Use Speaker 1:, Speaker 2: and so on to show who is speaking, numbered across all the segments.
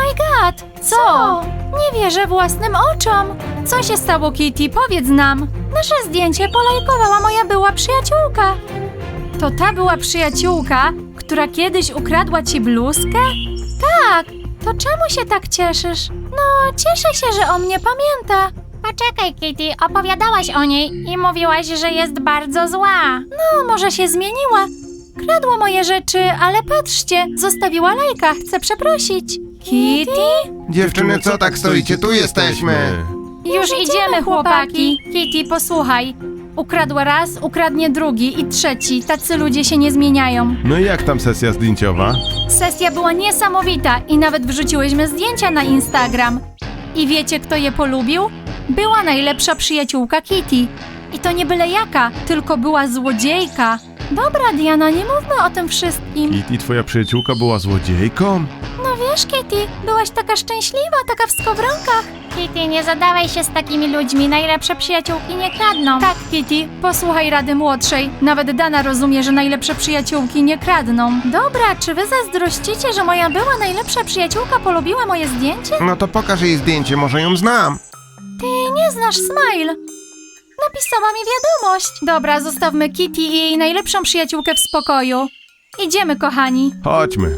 Speaker 1: my god! Co? Nie wierzę własnym oczom! Co się stało, Kitty? Powiedz nam! Nasze zdjęcie polajkowała moja była przyjaciółka. To ta była przyjaciółka, która kiedyś ukradła ci bluzkę? Tak! To czemu się tak cieszysz? No, cieszę się, że o mnie pamięta. Poczekaj, Kitty, opowiadałaś o niej i mówiłaś, że jest bardzo zła. No, może się zmieniła. Kradła moje rzeczy, ale patrzcie, zostawiła lajka, chcę przeprosić. Kitty?
Speaker 2: Dziewczyny, co tak stoicie? Tu jesteśmy.
Speaker 1: Już idziemy, chłopaki. Kitty, posłuchaj. Ukradła raz, ukradnie drugi i trzeci. Tacy ludzie się nie zmieniają.
Speaker 3: No i jak tam sesja zdjęciowa?
Speaker 1: Sesja była niesamowita i nawet wrzuciłyśmy zdjęcia na Instagram. I wiecie, kto je polubił? Była najlepsza przyjaciółka Kitty. I to nie byle jaka, tylko była złodziejka. Dobra, Diana, nie mówmy o tym wszystkim.
Speaker 3: Kitty, twoja przyjaciółka była złodziejką?
Speaker 1: No wiesz, Kitty, byłaś taka szczęśliwa, taka w skowronkach. Kitty, nie zadawaj się z takimi ludźmi, najlepsze przyjaciółki nie kradną. Tak, Kitty, posłuchaj rady młodszej. Nawet Dana rozumie, że najlepsze przyjaciółki nie kradną. Dobra, czy wy zazdrościcie, że moja była najlepsza przyjaciółka polubiła moje zdjęcie?
Speaker 2: No to pokaż jej zdjęcie, może ją znam.
Speaker 1: Ty nie znasz Smile. Napisała mi wiadomość. Dobra, zostawmy Kitty i jej najlepszą przyjaciółkę w spokoju. Idziemy, kochani.
Speaker 3: Chodźmy.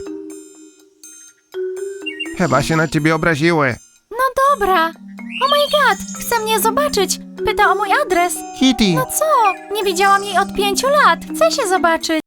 Speaker 2: Chyba się na ciebie obraziły.
Speaker 1: No dobra. Oh my god, chce mnie zobaczyć. Pyta o mój adres.
Speaker 2: Kitty,
Speaker 1: No co? Nie widziałam jej od 5 lat. Chcę się zobaczyć.